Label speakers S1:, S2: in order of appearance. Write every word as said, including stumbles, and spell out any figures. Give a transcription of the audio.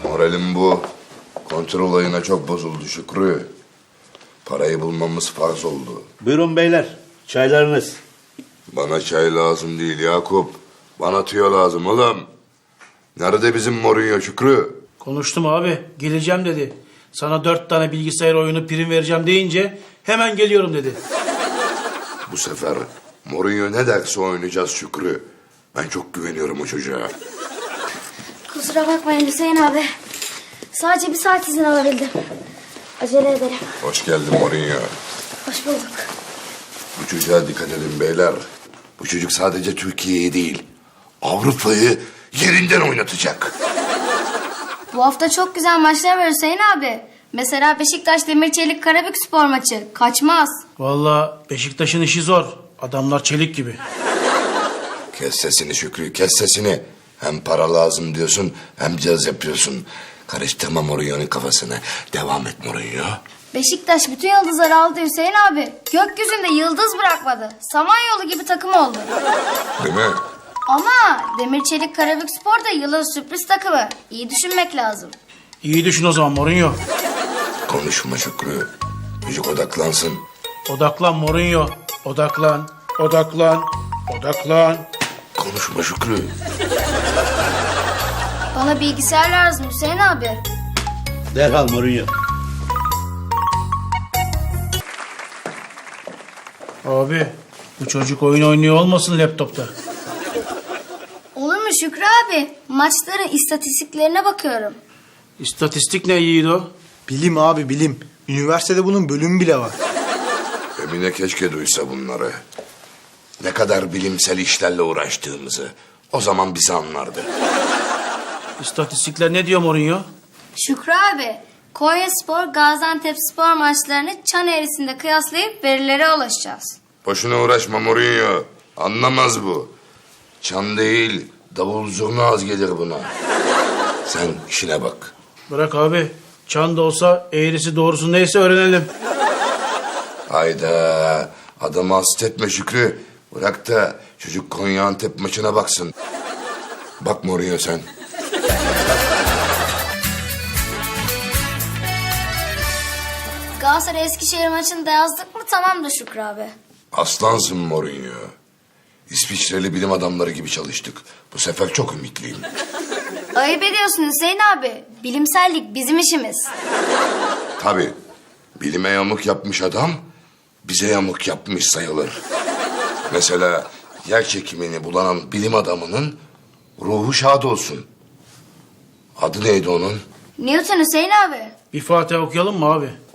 S1: Moralim bu. Kontrol olayına çok bozuldu Şükrü. Parayı bulmamız farz oldu.
S2: Buyurun beyler, çaylarınız.
S1: Bana çay lazım değil Yakup. Bana tüyo lazım oğlum. Nerede bizim Mourinho Şükrü?
S3: Konuştum abi. Geleceğim dedi. Sana dört tane bilgisayar oyunu prim vereceğim deyince hemen geliyorum dedi.
S1: Bu sefer Mourinho ne derse oynayacağız Şükrü. Ben çok güveniyorum o çocuğa.
S4: Kusura bakmayın Hüseyin abi. Sadece bir saat izin alabildim. Acele ederim.
S1: Hoş geldin Mourinho.
S4: Hoş bulduk.
S1: Bu çocuğa dikkat edin beyler. Bu çocuk sadece Türkiye'yi değil, Avrupa'yı yerinden oynatacak.
S4: Bu hafta çok güzel maçlar var Hüseyin abi. Mesela Beşiktaş Demirçelik Karabükspor maçı. Kaçmaz.
S3: Vallahi Beşiktaş'ın işi zor. Adamlar çelik gibi.
S1: Kes sesini Şükrü, kes sesini. Hem para lazım diyorsun, hem caz yapıyorsun. Karıştırma Mourinho'nun kafasını. Devam et Mourinho.
S4: Beşiktaş bütün yıldızları aldı Hüseyin abi. Gökyüzünde yıldız bırakmadı. Samanyolu gibi takım oldu.
S1: Değil mi?
S4: Ama Demirçelik Karabükspor da yılın sürpriz takımı. İyi düşünmek lazım.
S3: İyi düşün o zaman Mourinho.
S1: Konuşma Şükrü. Çocuk odaklansın.
S3: Odaklan Mourinho. Odaklan. Odaklan. Odaklan.
S1: Konuşma Şükrü.
S4: Bana bilgisayar lazım Hüseyin abi.
S2: Derhal Mourinho.
S3: Abi bu çocuk oyun oynuyor olmasın laptopta.
S4: Olur mu Şükrü abi? Maçların istatistiklerine bakıyorum.
S3: İstatistik ne yiğido?
S5: Bilim abi bilim. Üniversitede bunun bölümü bile var.
S1: Emine keşke duysa bunları. Ne kadar bilimsel işlerle uğraştığımızı. O zaman bizi anlardı.
S3: İstatistikler ne diyor Mourinho?
S4: Şükrü abi, Konyaspor, Gaziantepspor maçlarını çan eğrisinde kıyaslayıp verilere ulaşacağız.
S1: Boşuna uğraşma Mourinho. Anlamaz bu. Çan değil, davul zurna az gelir buna. Sen işine bak.
S3: Bırak abi. Çan da olsa eğrisi doğrusu neyse öğrenelim.
S1: Hayda. Adamı hasta etme Şükrü. Bırak da çocuk Konya Antep maçına baksın. Bak Mourinho sen.
S4: Galatasaray Eskişehir maçını da yazdık mı tamamdır Şükrü abi.
S1: Aslansın Mourinho. İsviçreli bilim adamları gibi çalıştık. Bu sefer çok ümitliyim.
S4: Ayıp ediyorsun Hüseyin abi. Bilimsellik bizim işimiz.
S1: Tabii. Bilime yamuk yapmış adam bize yamuk yapmış sayılır. Mesela yer çekimini bulan bilim adamının ruhu şad olsun. Adı neydi onun?
S4: Newton Hüseyin abi.
S3: Bir Fatiha okuyalım mı abi?